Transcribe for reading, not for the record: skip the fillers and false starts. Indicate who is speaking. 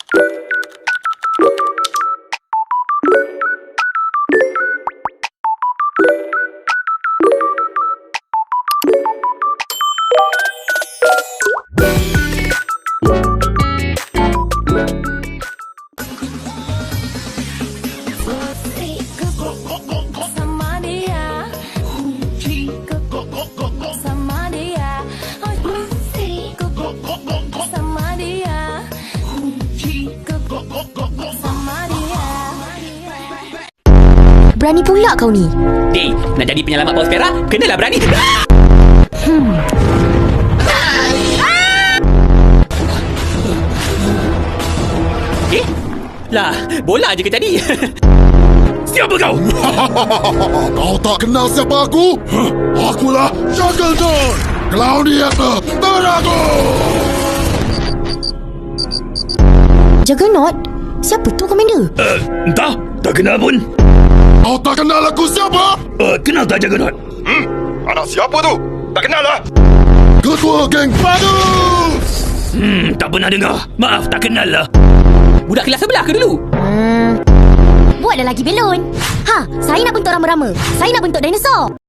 Speaker 1: Berani pula kau ni.
Speaker 2: Dey, nak jadi penyelamat paus perak, kenalah berani. Lah, bola je ke tadi?
Speaker 3: Siapa kau?
Speaker 4: Kau tak kenal siapa aku? Akulah Jungle John, Gladiator Terakhir.
Speaker 1: Juggernaut? Siapa tu, Komander?
Speaker 3: Entah, tak kenal pun.
Speaker 4: Kau tak kenal aku siapa?
Speaker 3: Kenal tak Juggernaut?
Speaker 4: Anak siapa tu? Tak kenal lah. Ketua geng Bagus.
Speaker 3: Tak pernah dengar. Maaf, tak kenal lah.
Speaker 2: Budak kelas sebelah ke dulu?
Speaker 1: Buatlah lagi belon. Ha, saya nak bentuk rama-rama. Saya nak bentuk dinosaur.